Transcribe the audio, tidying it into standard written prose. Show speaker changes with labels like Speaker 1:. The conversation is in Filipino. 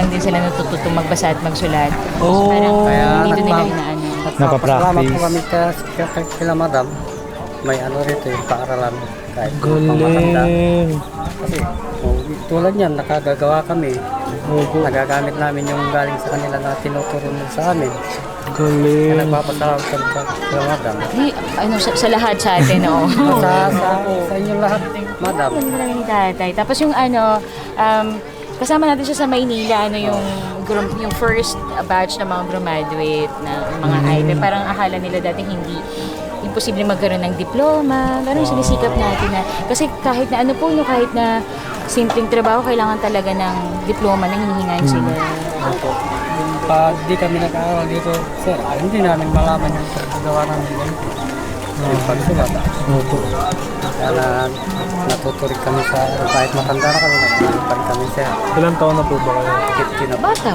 Speaker 1: lang din sila natututong magbasa at magsulat.
Speaker 2: Oh,
Speaker 1: Parang
Speaker 3: kaya
Speaker 1: dito nila
Speaker 3: nagpa-
Speaker 1: inaano.
Speaker 3: Nagpapasalamat po kami
Speaker 2: Napapractice.
Speaker 3: kila madam. May ano rito yung paaralan. Kahit pangmatanda.
Speaker 2: Galing.
Speaker 3: Kasi tulad yan, nakagagawa kami.
Speaker 2: Opo.
Speaker 3: Nagagamit namin yung galing sa kanila na tinuturo nila sa amin. Kaya
Speaker 2: Galing.
Speaker 3: nagpapasalamat kami kila madam.
Speaker 1: Di, ano, sa lahat sa atin, oo.
Speaker 3: Sa inyong lahat, madam.
Speaker 1: Marami ni tatay. Tapos yung ano, kasama natin siya sa Maynila, ano yung first batch na mga graduate na mga IB. Parang akala nila dati hindi imposible magkaroon ng diploma. Parang sinisikap natin na, kasi kahit na ano po, no, kahit na simpleng trabaho, kailangan talaga ng diploma na hinihingayin sila.
Speaker 3: Opo. Pag di kami nag-aaral dito, sir, hindi namin malaman yung paggawa namin ganito. Yung pagsulat.
Speaker 2: Opo.
Speaker 3: Kaya natuturik kami sa, kahit matanda na kami, nagtuturipan kami sir.
Speaker 2: Ilang taon na po ba kayo?
Speaker 3: 50 na po.
Speaker 1: Bata